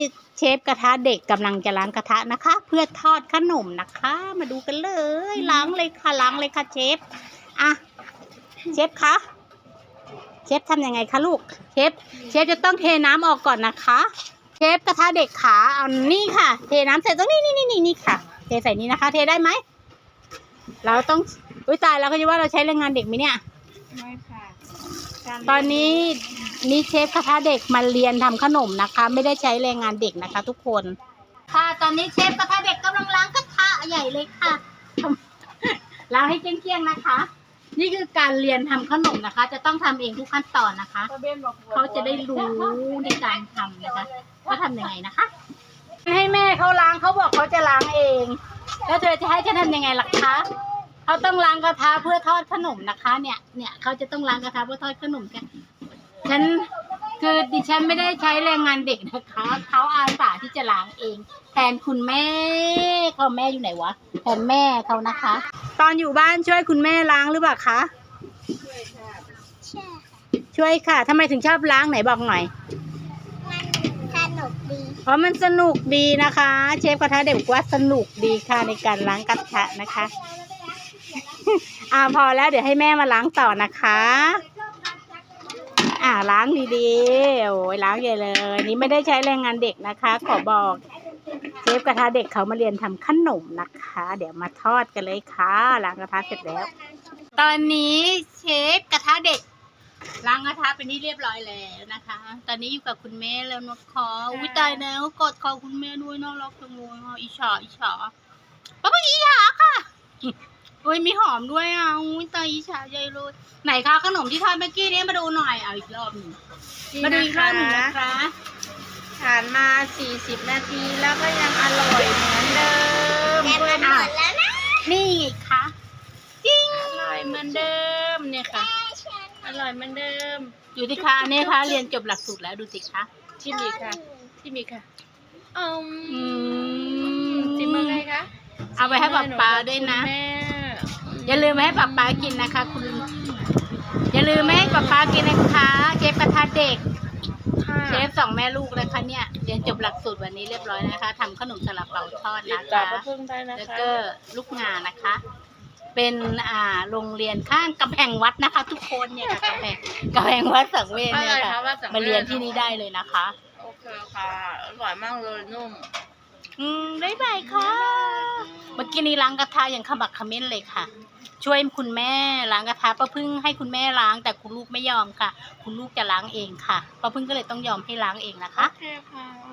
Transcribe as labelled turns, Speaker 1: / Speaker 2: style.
Speaker 1: เชฟกระทะเด็กกำลังจะล้างกระทะนะคะ เพื่อทอดขนมนะคะ มาดูกันเลยล้างเลยค่ะล้างเลยค่ะเชฟอ่ะเชฟคะเชฟทำยังไงคะลูกเชฟจะต้องเทน้ำออกก่อนนะคะเชฟกระทะเด็กขาเอานี่ค่ะเทน้ำใส่ตรงนี่ค่ะเทใส่นี้นะคะ เทได้ไหมเราต้องตายแล้วก็จะว่าเราใช้แรงงานเด็กไหมเนี่ยไม่ค่ะตอนนี้เชฟกระทะเด็กมาเรียนทำขนมนะคะ ไม่ได้ใช้แรงงานเด็กนะคะ ทุกคนค่ะตอนนี้เชฟกระทะเด็กกำลังล้างกระทะใหญ่เลยค่ะล้างให้เกลี้ยงๆนะคะ นี่คือการเรียนทำขนมนะคะ จะต้องทำเองทุกขั้นตอนนะคะเขาจะได้รู้ในการทำนะคะว่าทำยังไงนะคะให้แม่เขาล้างเขาบอกเขาจะล้างเองแล้วเธอจะให้ฉันทำยังไงล่ะคะเขาต้องล้างกระทะเพื่อทอดขนมนะคะ เนี่ยเขาจะต้องล้างกระทะเพื่อทอดขนมกันคือดิฉันไม่ได้ใช้แรงงานเด็กนะคะเขาอาสาที่จะล้างเองแทนคุณแม่เขาแม่อยู่ไหนวะแทนแม่เขานะคะ ตอนอยู่บ้านช่วยคุณแม่ล้างหรือเปล่าคะช่วยค่ะทำไมถึงชอบล้างไหนบอกหน่อยมันสนุกดีเพราะมันสนุกดีนะคะเชฟกระทะเด็กบอกว่าสนุกดีค่ะในการล้างกระทะนะคะพอแล้วเดี๋ยวให้แม่มาล้างต่อนะคะล้างดีๆโอ้ยล้างใหญ่เลยนี่ไม่ได้ใช้แรงงานเด็กนะคะขอบอกเชฟกระทะเด็กเขามาเรียนทำขนมนะคะเดี๋ยวมาทอดกันเลยค่ะล้างกระทะเสร็จแล้วตอนนี้เชฟกระทะเด็กล้างกระทะเป็นที่เรียบร้อยแล้วนะคะตอนนี้อยู่กับคุณแม่แล้วนะคะอุ้ยตายแล้วกดคอคุณแม่ด้วยน่ารักจังเลยอิจฉาป้าอิจฉาค่ะอุ้ยมีหอมด้วยอุ้ยตายอิจฉาใหญ่เลยไหนคะขนมที่ทอดเมื่อกี้นี้มาดูหน่อยเอาอีกรอบหนึ่งมาดูอีกรอบหนึ่งนะคะผ่านมา40 นาทีแล้วก็ยังอร่อยเหมือนเดิมแต่มันหมดแล้วนะนี่ไงคะจริงอร่อยเหมือนเดิมเนี่ยค่ะอร่อยเหมือนเดิมอยู่ที่คะเนี่ยค่ะเรียนจบหลักสูตรแล้วดูสิคะชิมอีกค่ะชิมมือไงคะเอาไปให้ป๊าด้วยนะอย่าลืมให้ป๊ากินนะคะคุณอย่าลืมไม่ให้ป๊ากินนะคะเชฟกระทะเด็กเชฟ2 แม่ลูกเลยค่ะเนี่ยเรียนจบหลักสูตรวันนี้เรียบร้อยนะคะทำขนมซาลาเปาทอดนะคะแล้วก็ลูกงานนะคะเป็นโรงเรียนข้างกำแพงวัดนะคะทุกคนเนี่ยกำแพงวัดสังเวชเนี่ยค่ะมาเรียนที่นี่ได้เลยนะคะ
Speaker 2: โอเคค่ะอร่อยมากเลยนุ่ม
Speaker 1: บ๊ายบายค่ะเมื่อกี้นี้ล้างกระทะอย่างขมักเขม้นเลยค่ะช่วยคุณแม่ล้างกระทะป้าพึ่งให้คุณแม่ล้างแต่คุณลูกไม่ยอมค่ะคุณลูกจะล้างเองค่ะป้าพึ่งก็เลยต้องยอมให้ล้างเองนะคะ
Speaker 2: โอเคค่ะ